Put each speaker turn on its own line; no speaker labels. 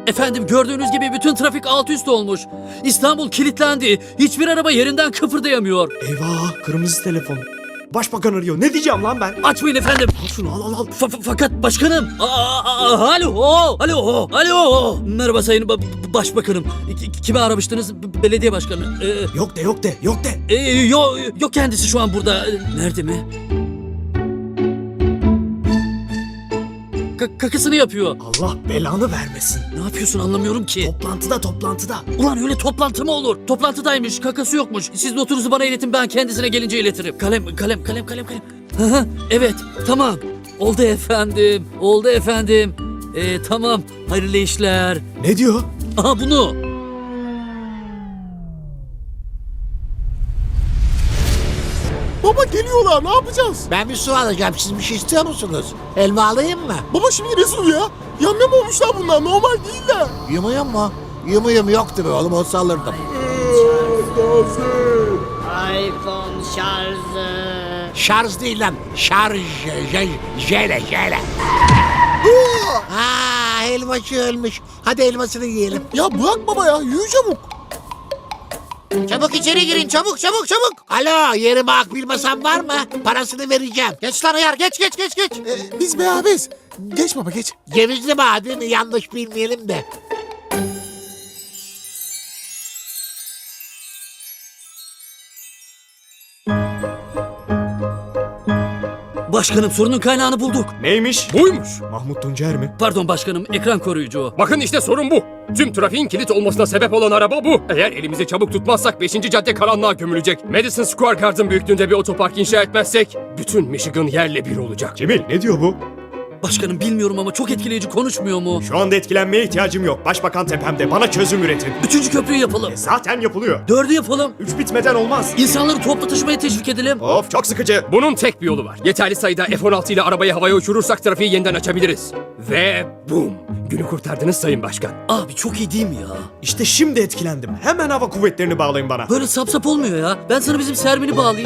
Efendim gördüğünüz gibi bütün trafik alt üst olmuş. İstanbul kilitlendi. Hiçbir araba yerinden kıpırdayamıyor.
Eyvah, kırmızı telefon. Başbakan arıyor. Ne diyeceğim lan ben?
Açmayın efendim.
Al şunu, al.
Fakat başkanım. Alo. Merhaba sayın başbakanım. Kimi aramıştınız? Belediye başkanı.
Yok de.
Yok kendisi şu an burada. Nerede mi? Kakasını yapıyor.
Allah belanı vermesin.
Ne yapıyorsun anlamıyorum ki.
Toplantıda.
Ulan öyle toplantı mı olur? Toplantıdaymış, kakası yokmuş. Siz notunuzu bana iletin, ben kendisine gelince iletirim. Kalem. Hı, evet, tamam. Oldu efendim. Tamam, hayırlı işler.
Ne diyor?
Aha bunu.
Baba geliyorlar, ne yapacağız?
Ben bir su alacağım. Siz bir şey istiyor musunuz? Elma alayım mı?
Baba şimdi ne su ya? Yamyam olmuşlar bunlar, normal değiller.
Yumuyum mu? Yumuyum yoktu be oğlum, olsa alırdım.
iPhone şarjı.
Şarj değil lan. Şarj. Jele. Elmacı ölmüş. Hadi elmasını yiyelim.
Ya bırak baba ya, yürü çabuk.
Çabuk içeri girin, çabuk. Alo, yerime akbil masam var mı? Parasını vereceğim. Geç lan ayar, geç.
Biz beraberiz. Geç baba geç.
Cevizli badem, yanlış bilmeyelim de.
Başkanım sorunun kaynağını bulduk.
Neymiş?
Buymuş.
Mahmut Tuncer mi?
Pardon başkanım, ekran koruyucu o.
Bakın işte sorun bu. Tüm trafiğin kilit olmasına sebep olan araba bu. Eğer elimizi çabuk tutmazsak 5. cadde karanlığa gömülecek. Madison Square Garden büyüklüğünde bir otopark inşa etmezsek bütün Michigan yerle bir olacak.
Cemil, ne diyor bu?
Başkanım bilmiyorum ama çok etkileyici, konuşmuyor mu?
Şu anda etkilenmeye ihtiyacım yok. Başbakan tepemde. Bana çözüm üretin.
3. köprüyü yapalım.
Zaten yapılıyor.
4'ü yapalım.
3 bitmeden olmaz.
İnsanları toplu taşımaya teşvik edelim.
Of, çok sıkıcı.
Bunun tek bir yolu var. Yeterli sayıda F-16 ile arabayı havaya uçurursak trafiği yeniden açabiliriz. Ve bum! Günü kurtardınız Sayın Başkan.
Abi çok iyi değil mi ya?
İşte şimdi etkilendim. Hemen hava kuvvetlerini bağlayın bana.
Böyle sap olmuyor ya. Ben sana bizim Sermin'i bağlayayım.